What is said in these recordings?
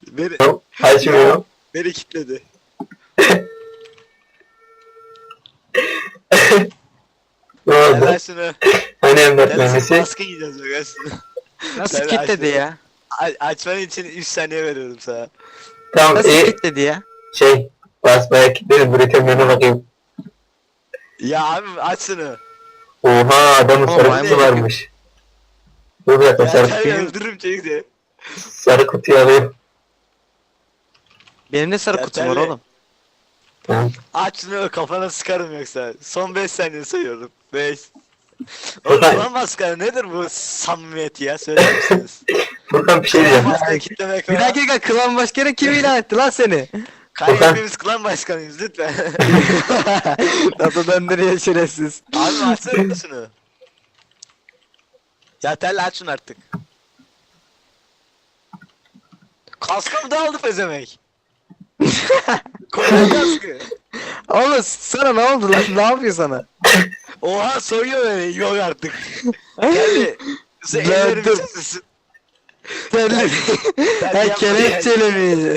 Beni, Açmıyor. beni kilitledi. Ne Gel oldu? lan şunu. Hani emlak Gel lan şunu mühendisi? baskın yiyeceğiz bak gel şunu. Nasıl Sen kilitledi aç- ya? Açman için 3 saniye veriyorum sana. Tamam Nasıl iyi. kilitledi ya? Şey. Basmaya kilitledim. Üretimlerine bakayım. Ya abi aç şunu. Oha adamın Oğlum, sarı maymun kutusu varmış. Dur bir dakika Ya sarı, sen benim- öldürürüm çocuk seni. sarı kutuyu alayım. Benim de sarı Ya kutum var terli. oğlum. Tamam. Aç şunu kafana sıkarım yoksa. Son 5 saniye sayıyorum. 5. Oğlum Furkan. lan maskara nedir bu samimiyet ya söyler misiniz? Furkan bir şey diyeceğim. Maskara kitlemek Bir var. dakika klan başkanı kim ilan etti lan seni? Kanka Furkan. hepimiz klan başkanıyız lütfen. Nasıl döndürüyor şerefsiz. Abi açsana şunu. Ya tel aç şunu artık. Kaskımı da aldı pezemek. Koyun kaskı. Oğlum sana ne oldu lan? Ne yapıyor sana? Oha soyuyor beni yok artık. Geldi. Sen Ben ellerimi dur. çözüyorsun. Telli. Ha kelepçeli miydi?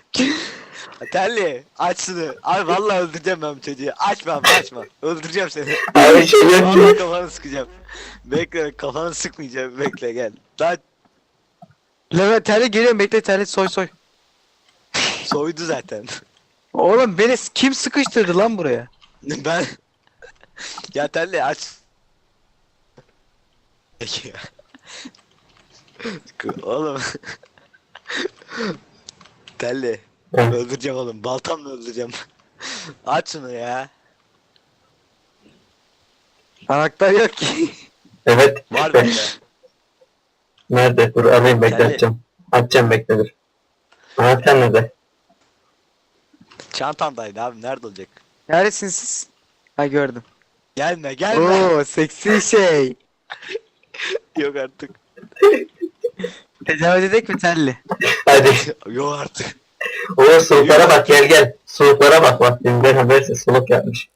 Telli aç şunu. Abi vallahi öldüreceğim ben bu çocuğu. Açma abi açma. Öldüreceğim seni. Abi şey yok Vallahi ki. kafanı sıkacağım. Bekle kafanı sıkmayacağım. Bekle gel. Daha Levent Telli geliyorum bekle Telli soy soy. soydu zaten. Oğlum beni kim sıkıştırdı lan buraya? Ben ya Telli aç. Peki ya. Oğlum. Telli. Evet. Öldüreceğim oğlum. Baltamla öldüreceğim. Aç şunu ya. Anahtar yok ki. Evet. Var Bek- bende. Nerede? Dur alayım bekle Telli. açacağım. Açacağım bekle dur. Anahtar nerede? Çantamdaydı abi. Nerede olacak? Neredesiniz siz? Ha gördüm. Gelme gelme. Oo seksi şey. Yok artık. Tecavüz edek mi Telli? Hadi. Yok artık. O suluklara bak gel gel. Suluklara bak bak. Dünden haberse suluk yapmış.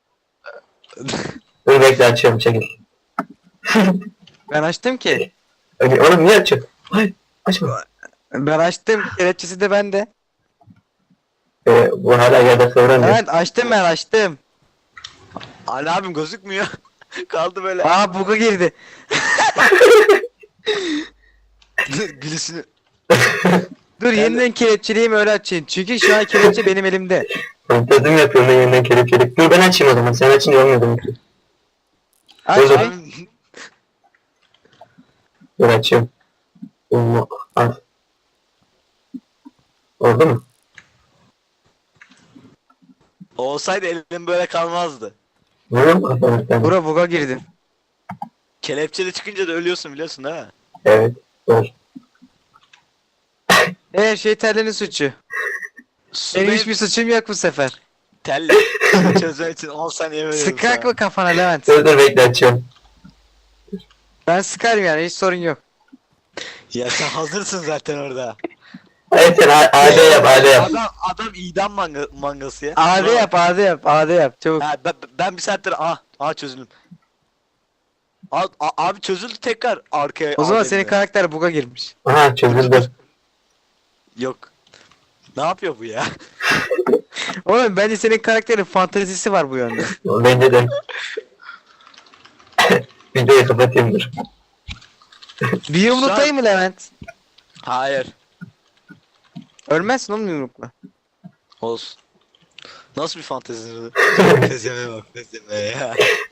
Dur bekle açıyorum çekil. Ben açtım ki. Oğlum niye açıyorsun? Hayır açma. Ben açtım. Kelepçesi de bende. Bu hala yerde kıvranıyor. Evet açtım ben açtım. Ali abim gözükmüyor. Kaldı böyle. Aa buga girdi. Gülüşünü. Dur yeniden kelepçeleyeyim öyle açayım. Çünkü şu an kelepçe benim elimde. Fantezim yapıyorum da yeniden kelepçelik. Dur ben açayım o zaman. Sen açınca olmuyor demek ki. Aç Dur, bir. Abim, Dur açıyorum. Al. Oldu mu? olsaydı elim böyle kalmazdı. Vuruyor mu kafanı? Bura buga girdim. Kelepçeli çıkınca da ölüyorsun biliyorsun ha. Evet. Dur. Her şey Telli'nin suçu. Benim hiçbir suçum yok bu sefer. telli. Çözmek için 10 saniye veriyorum Sıkak sana. mı kafana Levent? Dur bekle açıyorum. Ben sıkarım yani hiç sorun yok. Ya sen hazırsın zaten orada. Hayır sen AD yap AD yap. Adam idam mangası ya. AD Bravo. yap AD yap AD yap çabuk. Ha, ben bir saattir çözüldüm. Abi çözüldü tekrar arkaya. O zaman AD'de. senin karakter buga girmiş. Aha çözüldü. Yok. Ne yapıyor bu ya? Oğlum bence senin karakterin fantezisi var bu yönde. Bence de. Videoyu kapatayım dur. Bir yumruklayayım mı Levent? Hayır. Ölmezsin oğlum yumrukla. Olsun. Nasıl bir fantezi bu? Fezeme bak fezeme ya.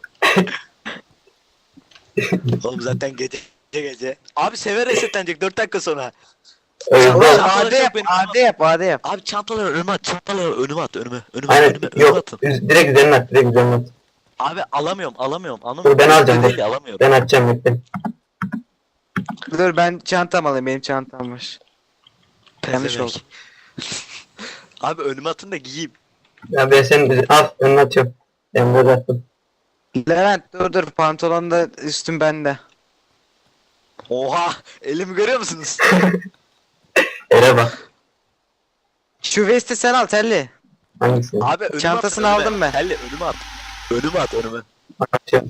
Oğlum zaten gece. Abi sever resetlenecek 4 dakika sonra. Öyle Oğlum değil. Çantaları AD çok yap benim- AD yap AD yap. Abi çantaları önüme at, çantaları önüme at, önüme Aynen yok. atın. Direkt üzerine at. Direkt üzerine at. Abi alamıyorum, anlamıyorum. Dur ben alacağım Değil, dur. alamıyorum. Ben atacağım bekle. Dur ben çantam alayım benim çantam var. Yanlış Pezevenk. oldu. Abi önüme atın da giyeyim. Ya ben senin al önüne atıyorum. Ben burada attım. Levent dur pantolon da üstüm bende. Oha, elimi görüyor musunuz? Ele bak. Şu vesti sen al Telli. Hangisi? Abi önüme Çantasını at, önüme. aldım ben. Helli önüme at. Önüme at, önüme. Atıyorum.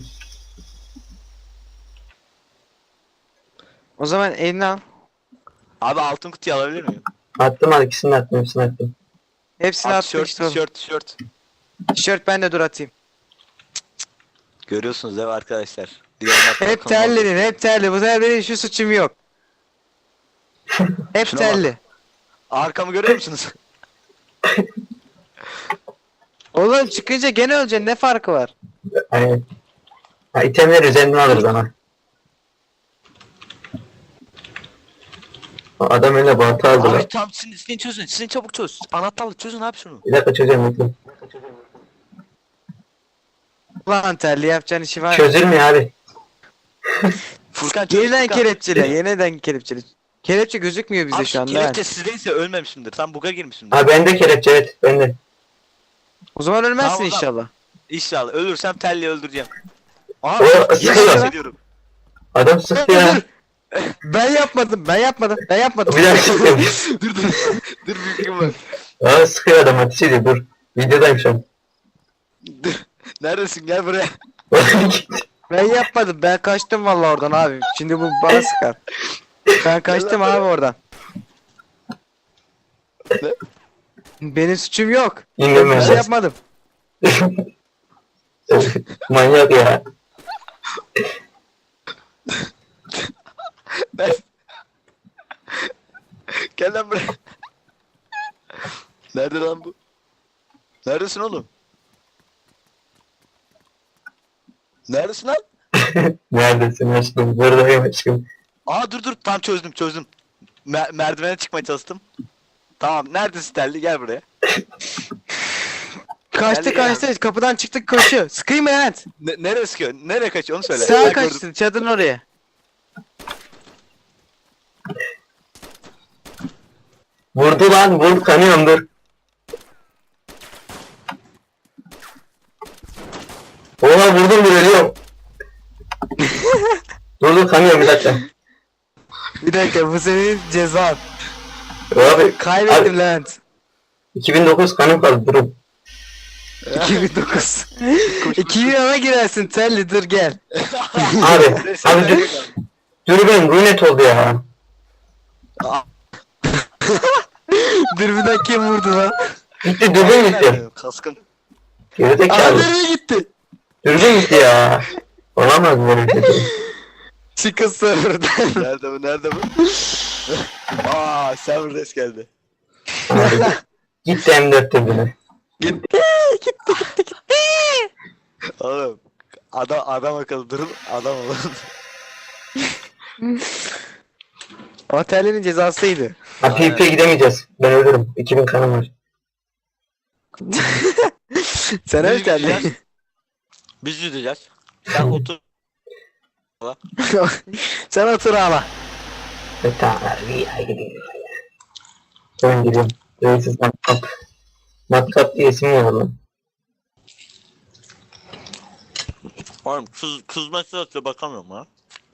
O zaman elini al. Abi altın kutuyu alabilir miyim? Attım al ikisini de attım hepsini attım. Hepsini At, attı tişört, işte oğlum. tişört. Tişört ben de dur atayım. Görüyorsunuz değil mi arkadaşlar? Diğerine atmak Hep konu oldu. terledin, hep terli. Bu sefer benim şu suçum yok. Hep Şuna bak. terli. Arkamı görüyor musunuz? Oğlum çıkınca gene öleceksin, ne farkı var? Aynen. Ha, itemleri üzerinden alırız ama. O adam öyle balta aldı lan. Abi tam sizin çözün. Sizin çabuk çöz. Anahtarlık çözün abi şunu. Bir dakika çözeceğim bekle. Ulan terli yapacağın işi var. Çözülmüyor abi. Furkan çöz. Yeniden Furkan. kelepçele, yeniden kelepçele. Kelepçe gözükmüyor bize Abi şu anda. kelepçe sizdeyse ölmemişimdir. Tam buga girmişimdir. Ha bende kelepçe evet bende. O zaman ölmezsin Tamam, tamam. inşallah. İnşallah. Ölürsem telli öldüreceğim. Aha. O Yemin sıkıyor. ediyorum. Adam sıktı ya. Ben yapmadım. Bir daha sıkıyorum. dur. Dur büyüküm var. Aa sıkıyor adam ateş ediyor dur. Videodayım şu an. Dur. Neredesin? Gel buraya. Ben yapmadım. Ben kaçtım vallahi oradan abi. Şimdi bu bana sıkar. Ben kaçtım abi oradan. Ne? Benim suçum yok. İndim Bir ben. şey yapmadım. Manyak ya. Ben... Gel lan buraya. Nerede lan bu? Neredesin oğlum? Neredesin lan? Neredesin aşkım? Buradayım aşkım. Aa dur tam çözdüm. Merdivene çıkmaya çalıştım. Tamam neredesin telli gel buraya. Kaçtı Gel, kaçtı. Kapıdan çıktık koşuyor. Sıkayım evet. Nereye sıkıyor? Nereye kaçıyor onu söyle. Sağa Ben kaçtı. gördüm. Çadırın oraya. Vurdu lan vur kanıyorum dur. Oha vurdum bir ölüyorum. dur kanıyorum bir dakika. Bir dakika bu senin cezan. Abi Kaybettim Levent. 2009 kanım kaldı durun. 2009. 2010'a girersin telli dur gel. Abi dürbün runet oldu ya. Dürbünden kim vurdu lan? Gitti dürbün gitti. Kaskın. Gerizekalı. Nereye gitti? Dürbün gitti ya. Olamaz böyle bir şey. Çıkın serverden. Nerede bu? Aa server geldi. Abi, gitti M4 dürbünü. Gitti. Oğlum adam akıllı durun adam olun. O terlinin cezasıydı. Ha PvP gidemeyeceğiz. Ben ölürüm. 2000 kanım var. Sen öl terli. gideceğiz. Biz yüzeceğiz. Sen otur. Sen otur ağla. Tamam abi ya gidiyorum. Ben gidiyorum. Reisiz matkap. Matkap diye isim var lan. Oğlum kız mesaj atıyor bakamıyorum ha.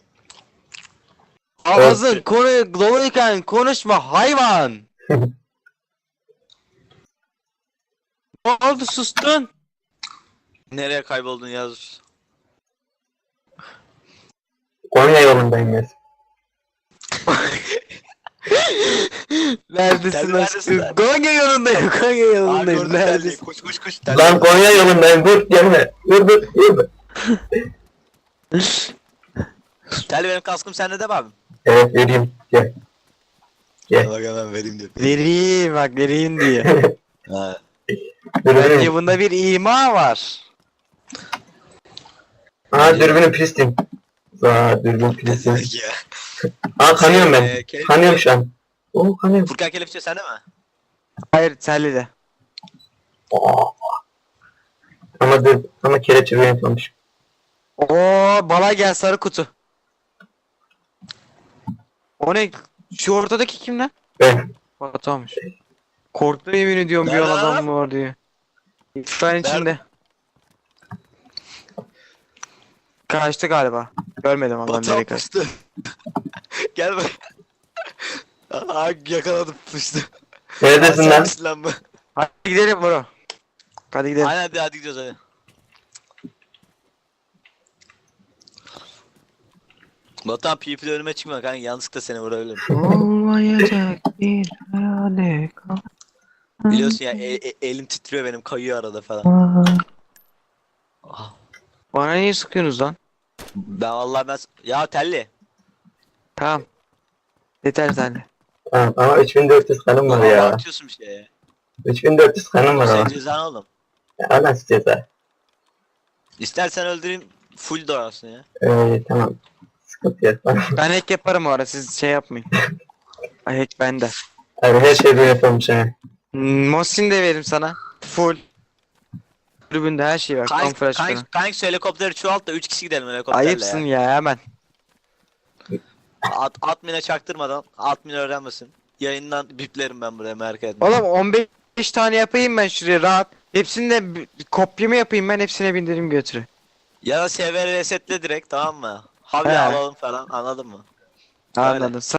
Ağzın konu doluyken konuşma hayvan. Ne oldu sustun? Nereye kayboldun yaz. Konya yolundayım ben. Neredesin Terli aşkım? neredesin? Konya yolundayım. Konya Aa yolundayım. gördüm terliği. Neredesin? Koş. Lan Konya yolundayım dur gelme. Dur. Terli benim kaskım sende de mi abim? Evet vereyim. Gel. Bak hemen vereyim diyor. Vereyim bak vereyim diye. Ha. Bence Dürbünüm. bunda bir ima var. Aa dürbünüm pistim. Aa dürbün pistim. ya. Aa kanıyorum ben. kelepçe- Kanıyorum şu an. Oo kanıyorum. Furkan kelepçe sende mi? Hayır terli de. Aa. Ama kelepçe runet olmuş. Oo bala gel sarı kutu. O ne? Şu ortadaki kim lan? Ben. Batu'ymuş. Korktu yemin ediyorum bir Nerede an adam lan? mı var diye. İktidarın içinde. Kaçtı galiba. Görmedim adam Batu nereye kaçtı. yapmıştı. Gel bak. Aa yakaladım pıştı. Neredesin lan? Lan bu. Hadi gidelim bro. Hadi gidelim. Aynen hadi gidiyoruz hadi. Batuhan PvP'de önüme çıkma kanka, yanlışlıkla seni vurabilirim. Olmayacak bir hayale kal. Biliyorsun ya, elim titriyor benim, kayıyor arada falan. Ah, Bana niye sıkıyorsunuz lan? ben ya telli. Tamam. Yeter sen. Tamam ama 3400 kanım var Bana ya. abartıyorsun bir şey ya. 3400 kanım var Sen ama. cezan oğlum. Ya nasıl ceza? İstersen öldüreyim, full doğarsın ya. Tamam. Sıkıntı yok. Ben hack yaparım o ara, siz şey yapmayın. Ay, hack bende. Abi her şeyi ben yapıyormuş ha. Mosin de veririm sana. Full. Kulübünde her şey var. Kamuflaj falan. Kanka helikopteri çoğalt da 3 kişi gidelim helikopterle Ayıpsın ya. ya hemen. Admin'e çaktırmadan, admin öğrenmesin. Yayından biplerim ben buraya, merak etme. Oğlum 15 tane yapayım ben şuraya rahat. Hepsini de kopyamı yapayım ben, hepsine bindireyim götürü. Ya da server resetle direkt, tamam mı? Havle He. alalım falan, anladın mı? Anladım.